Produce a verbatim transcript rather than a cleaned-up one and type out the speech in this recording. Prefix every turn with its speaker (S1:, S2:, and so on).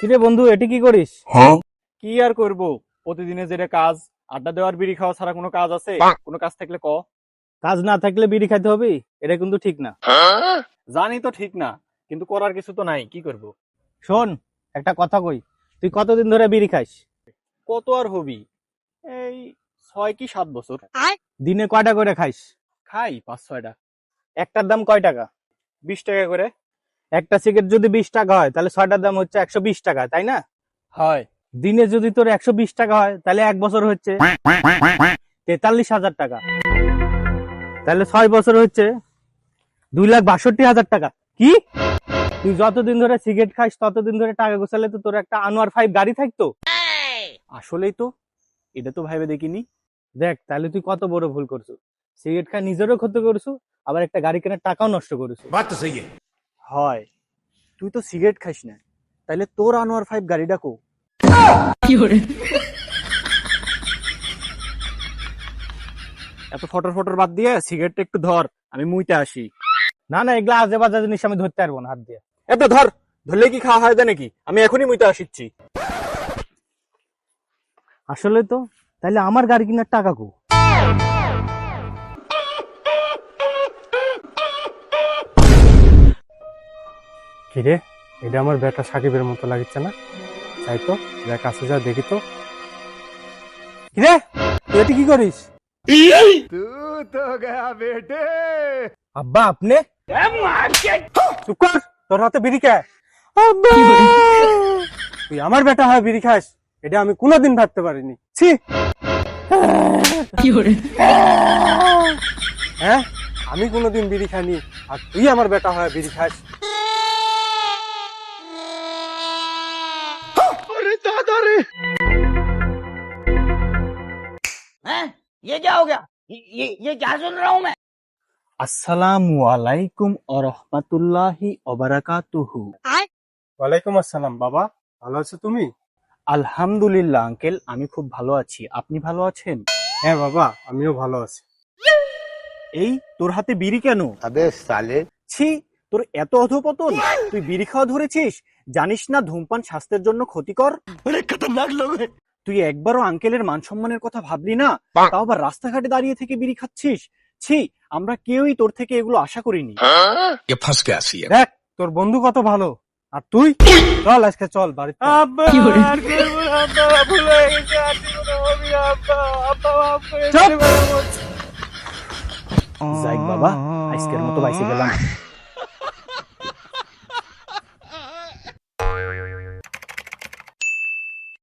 S1: কিরে বন্ধু, এটি কি করিস?
S2: হ্যাঁ
S3: কি আর করব, প্রতিদিনের যেটা কাজ, আড্ডা দেওয়ার বিড়ি খাওয়া ছাড়া কোনো কাজ আছে? কোনো কাজ থাকলে ক।
S1: কাজ না থাকলে বিড়ি খাইতে হবে, এটা কিন্তু ঠিক না।
S3: জানি তো ঠিক না, কিন্তু করার কিছু তো নাই, কি করব?
S1: শোন, একটা কথা কই, তুই কতদিন ধরে বিড়ি খাইস?
S3: কত আর হবি, এই ছয় কি সাত বছর।
S1: দিনে কয়টা করে খাইস?
S3: খাই পাঁচ ছয়টা।
S1: একটার দাম কয় টাকা?
S3: বিশ টাকা করে।
S1: একটা সিগারেট যদি বিশ টাকা হয় তাহলে ছয়টার দাম হচ্ছে একশো বিশ টাকা, তাই না?
S3: হয়।
S1: দিনে যদি তোর একশো বিশ টাকা হয় তাহলে এক বছর হচ্ছে তেতাল্লিশ হাজার টাকা। তাহলে ছয় বছর হচ্ছে দুই লাখ বাষট্টি হাজার টাকা। কি, তুই যতদিন ধরে সিগারেট খাইস ততদিন ধরে টাকা গোছালে তো তোর একটা আনোয়ার ফাইভ গাড়ি থাকতো।
S3: আসলেই তো, এটা তো ভাইবে দেখিনি।
S1: দেখ, তাহলে তুই কত বড় ভুল করছো। সিগারেট খাই নিজেরও ক্ষতি করছো, আবার একটা গাড়ি কেনার টাকাও নষ্ট করেছো।
S2: बात तो सही है।
S3: হয়, তুই তো সিগারেট খাইস না, তাইলে তোর আনোয়ার ফাইভ গাড়িটা কো। এত ফটর ফটর বাদ দিয়ে সিগারেটটা একটু ধর, আমি মুইতে আসি।
S1: না না, এগুলা আজে বাজে জিনিস আমি ধরতে পারবো না হাত দিয়ে।
S3: এটা ধর, ধরলে কি খাওয়া হয় নাকি? আমি এখনই মুইতে আসিচ্ছি।
S1: আসলে তো, তাহলে আমার গাড়ি কেনার টাকা কো? কিরে, এটা আমার বেটা সাকিবের মতো লাগছে না? তাই তো, যা কাছে যা দেখি তো। কিরে, তুই এটা কি করিস?
S2: तू तो गया बेटे।
S1: আব্বা, আপনি চুপ কর, তোর হাতে বিড়ি খায়। তুই আমার বেটা হয় বিড়ি খাস, এটা আমি কোনোদিন ভাবতে পারিনি। ছি, হ্যাঁ, আমি কোনোদিন বিড়ি খাইনি, আর তুই আমার বেটা হয় বিড়ি খাস।
S2: अरे दादा रे।
S4: हैं? ये क्या हो गया? ये ये, ये क्या सुन रहा हूँ मैं?
S3: আসসালামু আলাইকুম ওয়া রাহমাতুল্লাহি ওয়া বারাকাতুহু।
S1: ওয়ালাইকুম আসসালাম। বাবা, ভালো আছো তুমি?
S3: আলহামদুলিল্লাহ আঙ্কেল, আমি খুব ভালো আছি। আপনি ভালো আছেন?
S1: হ্যাঁ বাবা, আমিও ভালো আছি।
S3: এই, তোর হাতে বিড়ি কেন?
S2: अबे साले।
S3: ছি, তোর এত অধপতন, তুই বিড়ি খাওয়া ধরেছিস? জানিস না ধূমপান স্বাস্থ্যের জন্য ক্ষতিকর?
S2: बड़े खतरनाक लोग हैं।
S3: তুই একবারও আঙ্কেলের মান সম্মানের কথা ভাবলি না, তাও আবার রাস্তাঘাটে দাঁড়িয়ে থেকে বিড়ি খাচ্ছিস। ছি, আমরা কেউই তোর থেকে এগুলো আশা করিনি।
S2: ये फंस गया सी है।
S1: দেখ, তোর বন্ধু কত ভালো, আর তুই? চল আজকে চল বাড়িতে।
S3: যাই বাবা, আজকের মতো বাইসে গেলাম।